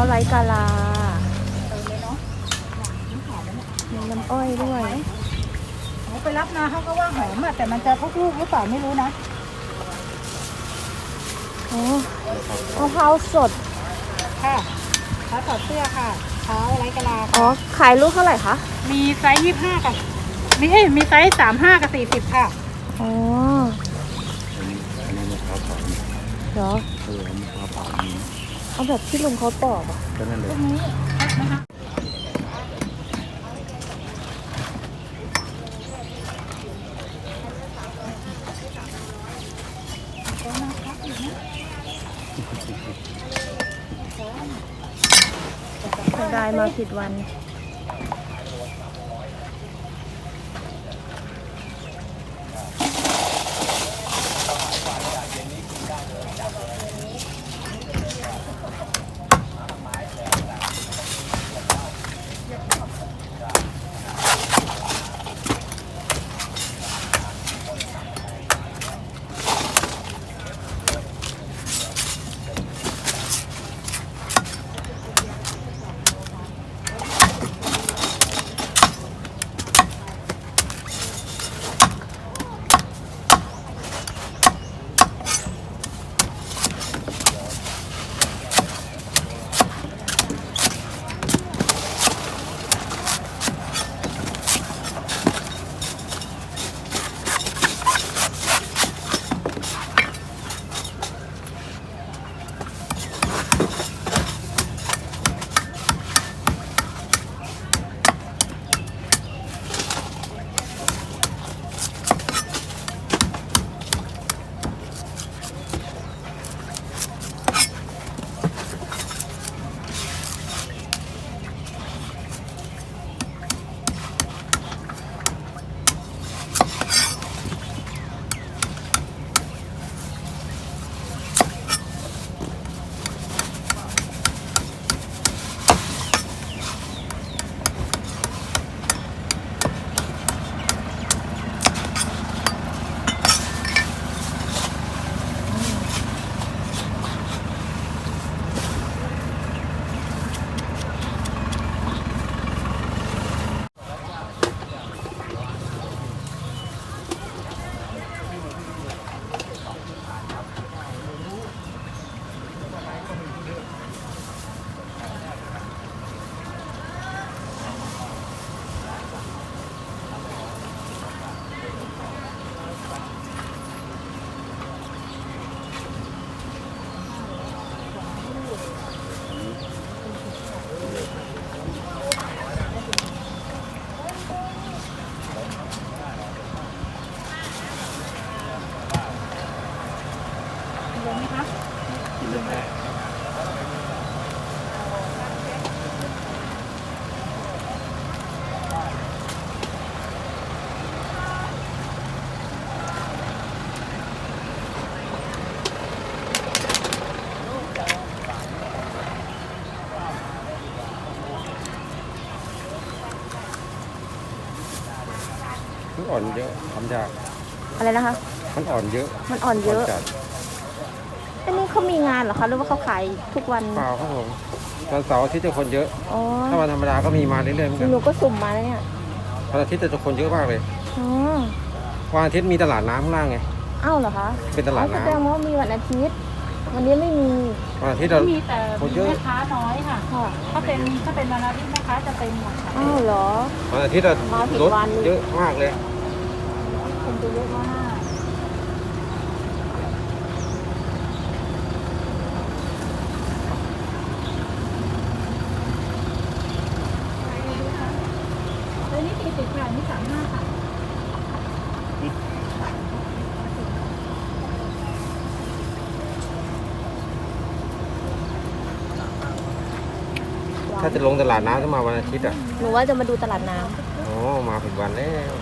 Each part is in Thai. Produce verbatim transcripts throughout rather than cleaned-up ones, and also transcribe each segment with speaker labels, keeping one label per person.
Speaker 1: ไร้กาลา
Speaker 2: เติมเลยเนาะ
Speaker 1: มีน้ำอ้อยด้วย
Speaker 2: เขาไปรับมาเขาก็ว่าหอมอะแต่มันจะพวกลูกหรือเปล่าไม่รู้นะ
Speaker 1: โอ้มะพร้าวสด
Speaker 2: ค่ะเท้าถอดเสื้อค่ะเท้าไร้กะลา
Speaker 1: อ๋อขายลูกเท่าไหร่คะ
Speaker 2: มีไซส์ยี่สิบห้ากับมีเอ้มีไซส์สามห้ากับสี่สิบค่ะ
Speaker 1: อ๋อ
Speaker 3: อันนี้อันนี้มะพร้าวเผา
Speaker 1: เหรอ
Speaker 3: เออมะพร้าวเผานี้
Speaker 1: เอาแบบที่ลุงเขาปอกอ่ะ
Speaker 3: ก็นั่นเลย
Speaker 2: ตรงนี้นะคะ
Speaker 1: ได้มาผิดวัน
Speaker 2: เลยไหมคะ
Speaker 3: กินเลยแม่มันอ่อนเยอะทำยาก
Speaker 1: อะไรนะคะ
Speaker 3: มันอ่อนเยอะ
Speaker 1: มันอ่อนเยอะอันนี้เขามีงานเหรอคะหรือว่าเขาขายทุกวัน
Speaker 3: เปล่าครับผมวันเสาร์อาทิตย์จะคนเยอะ
Speaker 1: อ๋อ
Speaker 3: ถ้าวันธรรมดาก็มีมาเรื่อยๆเหมือนกัน
Speaker 1: หนูก็สุ่มมาแล้วเนี่ย
Speaker 3: วันอาทิตย์จะคนเยอะมากเลย
Speaker 1: อ๋อ
Speaker 3: วันอาทิตย์มีตลาดน้ำข้างล่างไง
Speaker 1: อ้าวเหรอคะ
Speaker 3: เป็นตลาดน้ำ
Speaker 1: แสดงว่ามีวันอาทิตย์วันนี้ไม่มี
Speaker 3: วันอาทิตย์เรา
Speaker 2: มีแต่มีแม่ค้าน้อยค่ะถ้าเป็นถ้าเป็นวันอาทิตย์แม่ค้าจะเต็มหมด
Speaker 1: อ้าวเหรอ
Speaker 3: วันอาทิตย์เรารถเยอะมากเลย
Speaker 2: คนจะเยอะมากแล้วนี่สี่สิบค่ะนี่สามห้าค่ะ
Speaker 3: ถ้าจะลงตลาดน้ำต้องมาวันอาทิตย์อ่ะ
Speaker 1: หนูว่าจะมาดูตลาดน้ำ
Speaker 3: โอ้มาผิดวันแล้ว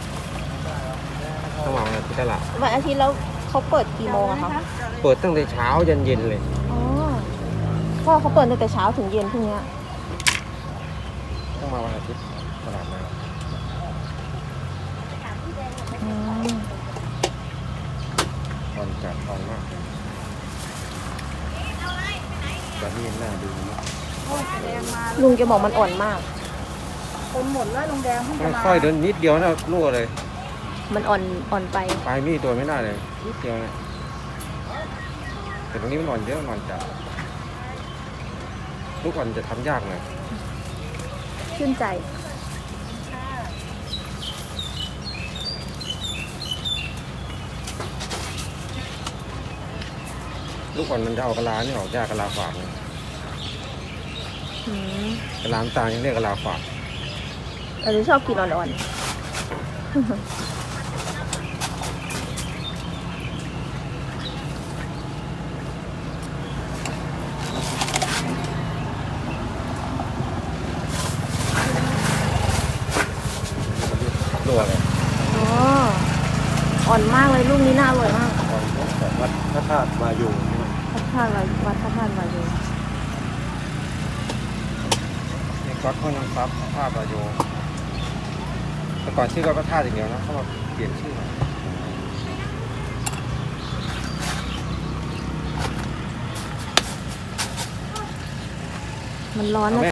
Speaker 3: ต้องมาวันอาทิตย์ตลาด
Speaker 1: วันอาทิตย์แล้วเขาเปิดกี่โมงอะคะ
Speaker 3: เปิดตั้งแต่เช้ายันเย็นเลย
Speaker 1: อ๋อก็เขาเปิดตั้งแต่เช้าถึงเย็นพรุ่งนี้
Speaker 3: ต้องมาวันอาทิตย์ตลาดน้ำตอนจัดตอนมากแบบนี้น่าดูนะ
Speaker 2: อ้ยแดงมา
Speaker 1: ลุงแกบอกมันอ่อนมาก
Speaker 2: คนหมดแล้วลุงแดงเพิ่งจะมา
Speaker 3: ค่อยๆเดินนิดเดียวนะรั่วเลย
Speaker 1: มันอ่อนอ่อนไป
Speaker 3: ปลายมีดตัวไม่ได้เลยนิดเดียวเนี่ยแต่ตรงนี้มันนอนเยอะนอนจัดลูกอ่อนจะทำยากหน่อย
Speaker 1: ชื่นใจ
Speaker 3: ลูกอ่อนมันจะเอากะลานี่ออกยากกะลาฝาดเลย
Speaker 1: อืม
Speaker 3: กะลาน้ำตาลยังเรียกกะลาฝาด
Speaker 1: เออชอบกินอ่อนๆ
Speaker 3: รั่วเลย
Speaker 1: อ๋อ อ่อนมากเลยลูกนี้น่าอร่อยมาก
Speaker 3: อ่อนแบบวัดพระธาตุมาอยู่นี่มัน
Speaker 1: พระธาตุวัดวัดพระธาตุวายโย
Speaker 3: นี่ก๊อตห้วยน้ำซับพระธาตุมาอยู่แต่ก่อนชื่อก็พระธาตุอย่างเดียวนะเขามาเปลี่ยนชื่อ
Speaker 1: มันร้อนนะ